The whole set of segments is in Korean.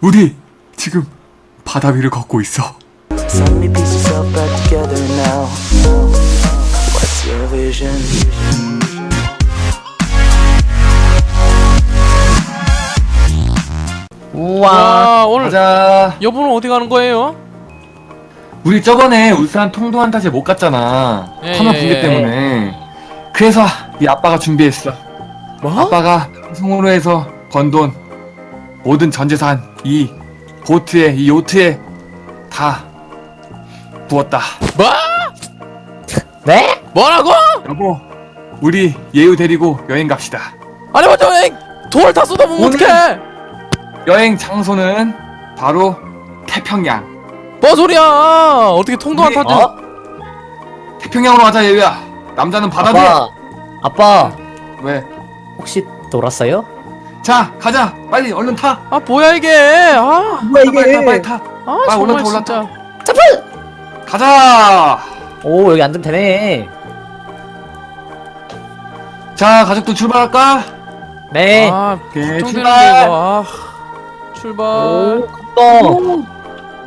우리 지금 바다 위를 걷고 있어. So many pieces all back together now. What's your vision? 우와. 와, 오늘 가자. 여보는 어디 가는 거예요? 우리 저번에 울산 통도한타제 못 갔잖아. 예, 터널 예, 붕괴 예. 때문에. 그래서 네 아빠가 준비했어. 뭐? 아빠가 방송으로 해서 번 돈, 모든 전 재산 이 보트에, 이 요트에 다 부었다. 뭐? 네? 뭐라고? 여보, 우리 예우 데리고 여행 갑시다. 아니 먼저 돌 다 쏟아보면 오늘- 어떡해? 여행 장소는 바로 태평양. 뭐 소리야? 어떻게 통도 안 우리- 타지? 어? 태평양으로 가자, 예우야. 남자는 바다 뒤에. 아빠 왜? 혹시 놀았어요? 자, 가자. 빨리 얼른 타. 아 뭐야 이게? 아, 뭐야 빨리 타, 빨리 타. 아 빨리 정말 올라타, 진짜. 가자. 오 여기 앉으면 되네. 자, 가족들 출발할까? 네. 아 오케이, 걱정되는데 출발. 이거. 아, 출발. 오 컸다.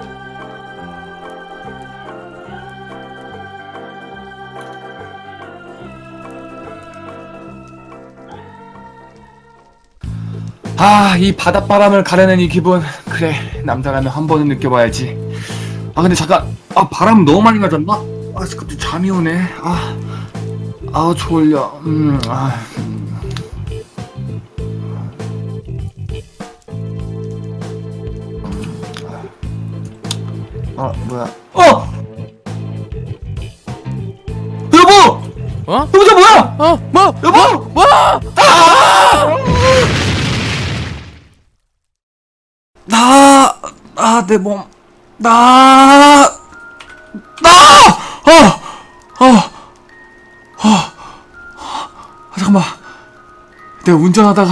아, 이 바닷바람을 가르는 이 기분. 그래, 남자라면 한 번은 느껴봐야지. 아, 근데 잠깐. 아, 바람 너무 많이 맞았나? 아, 갑자기 잠이 오네. 아, 졸려. 뭐야. 여보! 어? 여보, 저 뭐야! 뭐? 여보! 뭐? 내 몸. 잠깐만. 내가 운전하다가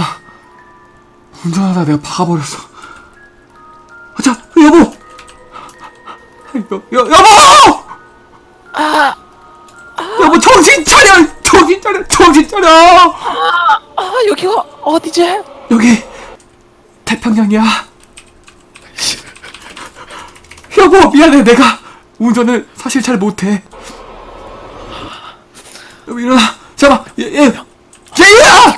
내가 박아버렸어. 자, 여보! 여보! 여보, 정신 차려! 정신 차려! 아 여기가 어디지? 여기 태평양이야. 여보, 미안해. 내가 운전을 사실 잘 못해. 여보, 일어나. 잠깐만. 제이야!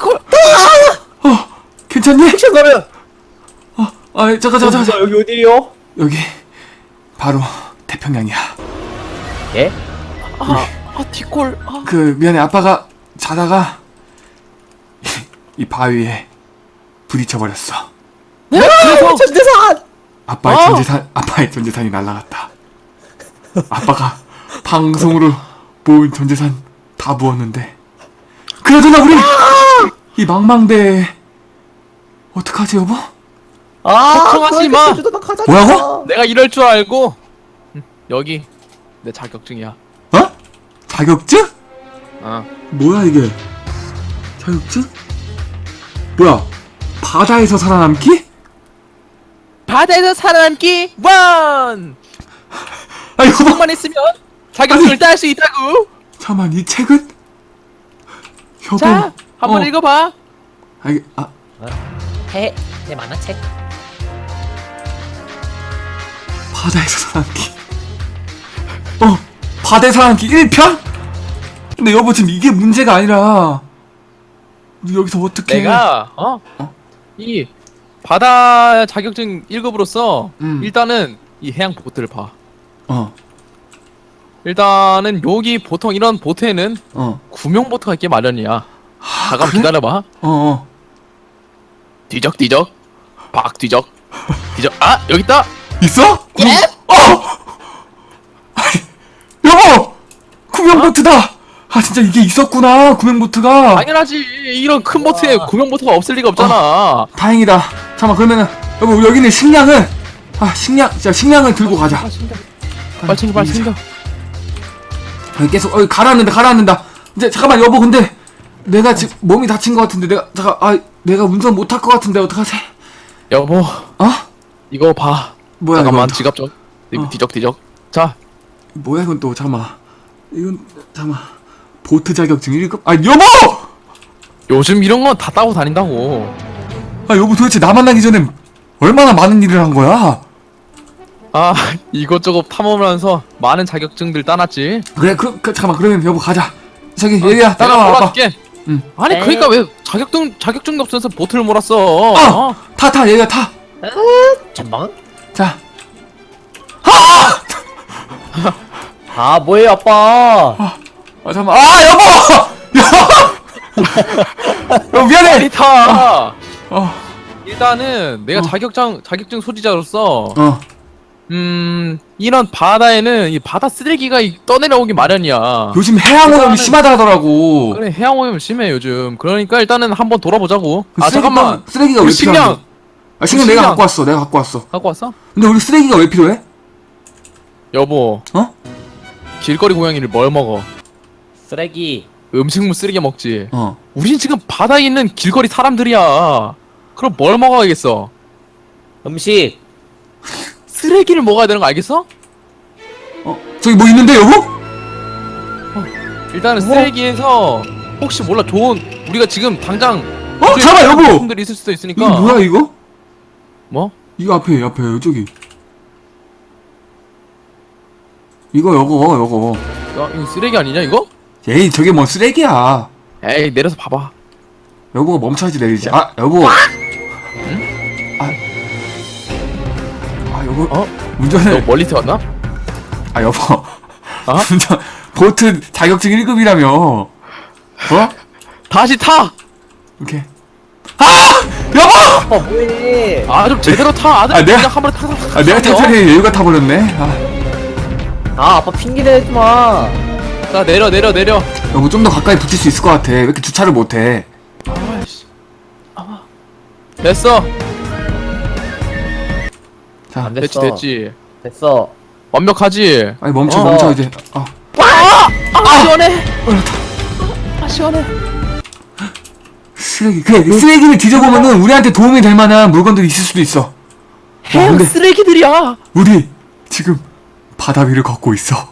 괜찮니? 액션 가면. 잠깐. 여기 어디요? 여기 바로 태평양이야. 예? 아 뒷골. 아. 미안해. 아빠가 자다가 이 바위에 부딪혀버렸어. 네? 그래서 전재산. 아빠의 전재산이 날라갔다. 아빠가 방송으로 모은 전재산 다 부었는데. 그러잖아, 우리 이 망망대에 어떡하지, 여보? 걱정하지 마. 뭐라고? 내가 이럴 줄 알고 여기 내 자격증이야. 어? 자격증? 어. 뭐야 이게? 자격증? 뭐야? 바다에서 살아남기? 바다에서 살아남기 원. 아, 여보, 조금만 있으면 자격증을 딸 수 있다고. 잠깐만, 이 책은? 여보. 자, 한번 읽어봐. 해 만화책. 바다에서 살아남기. 바다에서 살아남기 1편? 근데 여보, 지금 이게 문제가 아니라 우리 여기서 어떻게? 내가 이 바다 자격증 1급으로서 일단은 이 해양 보트를 봐. 일단은 여기 보통 이런 보트에는 구명 보트가 있게 마련이야. 잠깐 그래? 기다려봐. 뒤적 박 뒤적. 아 여기 있다. 있어? 예? 여보! 구명보트다! 아, 진짜 이게 있었구나, 구명보트가. 당연하지. 이런 큰 보트에 구명 보트가 없을 리가 없잖아. 다행이다. 잠깐만, 그러면은 여보, 우리 여기 있는 식량을 식량을 들고 가자. 빨리 챙겨. 계속 가라앉는다. 이제 잠깐만, 여보, 근데 내가 지금 몸이 다친 것 같은데 내가 운전 못할 것 같은데 어떡하지? 여보, 이거 봐. 뭐야, 잠깐만 이건? 지갑 좀. 뒤적. 자, 뭐야 이건 또? 잠깐만. 보트 자격증 1급? 여보! 요즘 이런 건 다 따고 다닌다고. 여보, 도대체 나 만나기 전에 얼마나 많은 일을 한 거야? 아 이것저것 탐험하면서 많은 자격증들 따놨지. 그래 잠깐만 그러면 여보 가자. 저기 얘야 따라와 내가 아빠. 몰아줄게. 응. 아니 에이. 그러니까 왜 자격증도 없으면서 보트를 몰았어? 어! 타 얘야 타. 잠깐만. 자. 아 뭐예요 아빠? 아 잠깐만. 아 여보! 여보 미안해. 빨리 타. 어. 일단은 내가 자격증 소지자로서 어. 이런 바다에는 이 바다 쓰레기가 떠내려오기 마련이야. 요즘 해양 오염이 일단은- 심하다 하더라고. 그래 해양 오염 심해 요즘. 그러니까 일단은 한번 돌아보자고. 그 아 쓰레기통- 잠깐만. 쓰레기가 왜 우리 필요한데? 식량 아 식량 우리 내가 식량. 갖고 왔어. 내가 갖고 왔어. 갖고 왔어? 근데 우리 쓰레기가 왜 필요해? 여보. 어? 길거리 고양이를 뭘 먹어? 쓰레기. 음식물 쓰레기 먹지. 어. 우린 지금 바다에 있는 길거리 사람들이야. 그럼 뭘 먹어야겠어? 음식. 쓰레기를 먹어야 되는 거 알겠어? 어. 저기 뭐 있는데 여보? 일단은 쓰레기에서 혹시 몰라 좋은 우리가 지금 당장 잠깐 여보. 제품들이 있을 수도 있으니까. 이거 뭐야 이거? 뭐? 이거 앞에 저기. 이거 요거. 야, 이거 쓰레기 아니냐 이거? 에이 저게 뭔 쓰레기야. 에이 내려서 봐봐. 여보가 멈춰야지 내리지. 아 여보. 아 여보. 어? 너 운전을. 멀리서 왔나? 아 여보. 어? 운전 보트 자격증 1급이라며. 어? 다시 타! 이렇게. 여보! 아빠 뭐해? 아 좀 제대로 타 아들. 아, 내가- 그냥 한 번에 타서 아 내가 탈탈이 여유가 타버렸네. 아 아빠 핑계 대지 마. 자 내려. 여보 좀 더 가까이 붙일 수 있을 것 같아. 왜 이렇게 주차를 못해? 아이씨. 아. 됐어. 자, 안 됐어. 됐지. 됐어. 완벽하지. 아니 멈춰 어. 멈춰 이제. 아 시원해. 아 시원해. 쓰레기. 그래 쓰레기를 뒤져보면은 우리한테 도움이 될 만한 물건들이 있을 수도 있어. 해양 근데- 쓰레기들이야. 우리 지금 바다 위를 걷고 있어.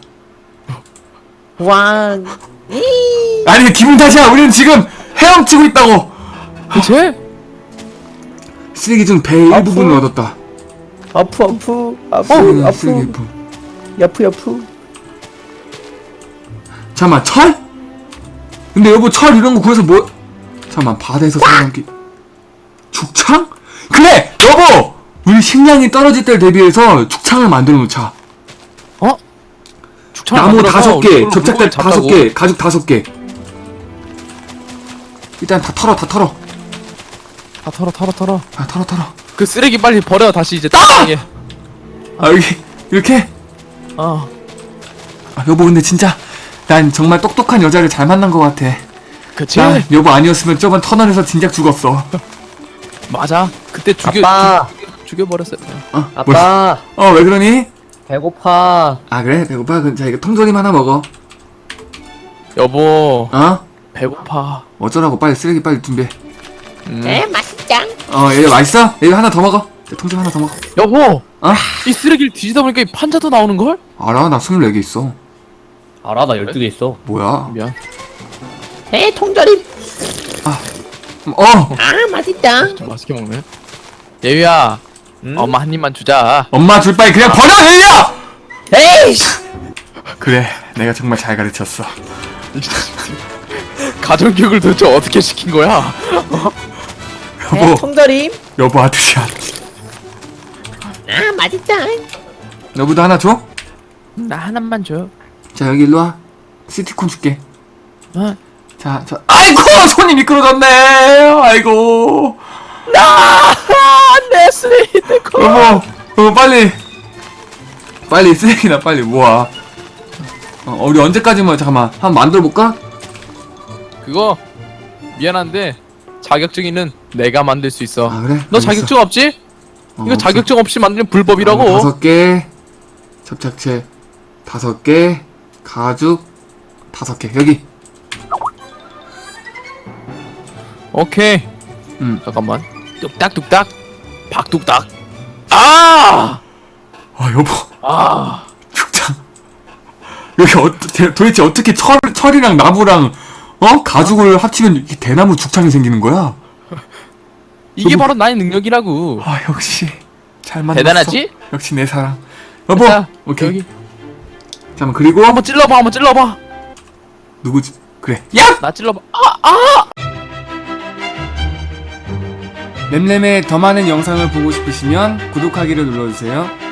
왕. 아니 기분 탓이야. 우리는 지금 헤엄치고 있다고. 그치? 쓰레기 중 배의 일부분을 얻었다. 아프. 쓰레기 일부. 야프. 잠깐만 철? 근데 여보 철 이런 거 구해서 뭐? 잠깐만 바다에서 살아남기. 죽창? 그래 여보. 우리 식량이 떨어질 때를 대비해서 죽창을 만들어 놓자. 어? 죽창 나무 만들어서 5개, 우리 접착제 물건을 잡자고. 5개, 가죽 5개. 일단 다 털어. 다 털어. 아 털어. 그 쓰레기 빨리 버려 다시 이제 땅에. 아 여기 이렇게. 어. 아 여보 근데 진짜 난 정말 똑똑한 여자를 잘 만난 것 같아. 그치? 나 여보 아니었으면 저번 터널에서 진작 죽었어. 맞아. 그때 아빠. 죽여버렸어요. 아빠. 왜 그러니? 배고파. 아 그래 배고파. 그럼 자 이거 통조림 하나 먹어. 여보 어? 배고파. 어쩌라고 빨리 쓰레기 빨리 준비해. 맛있짱. 얘 맛있어? 얘 하나 더 먹어. 통조림 하나 더 먹어. 여보 어? 이 쓰레기를 뒤지다 보니까 이 판자도 나오는 걸? 알아 나 24개 있어. 알아 나 12개 있어. 뭐야? 미안. 통조림. 맛있다. 좀 맛있게 먹네. 예유야 엄마 한 입만 주자. 엄마 줄 바에 그냥 버려 얘야! 에이씨. 그래 내가 정말 잘 가르쳤어. 가정교육을 도대체 어떻게 시킨 거야? 여보 통조림. 여보 아들이야. 맛있다. 여보도 하나 줘? 나 하나만 줘. 자 여기 일로 와. 시티콘 줄게. 어? 자 아이고 손이 미끄러졌네. 아이고 내 쓰레기 내 거. 여보 빨리 쓰레기나 빨리 모아. 우리 언제까지 뭐 잠깐만 한번 만들어 볼까? 그거 미안한데 자격증이는 내가 만들 수 있어. 아 그래? 너 알겠어. 자격증 없지? 이거 없어. 자격증 없이 만들면 불법이라고. 5개 접착제 5개 가죽 5개 여기. 오케이. 잠깐만. 뚝딱뚝딱. 박뚝딱. 아! 여보 아. 죽창 여기 도대체 어떻게 철이랑 나무랑 가죽을 합치면 이렇게 대나무 죽창이 생기는 거야? 이게 여보. 바로 나의 능력이라고. 아 역시 잘 만났어. 대단하지? 역시 내 사랑. 여보. 자, 오케이. 여기 잠깐 그리고 한번 찔러봐, 한번 찔러봐. 누구지? 그래. 야! 나 찔러봐. 램램의 더 많은 영상을 보고 싶으시면 구독하기를 눌러주세요.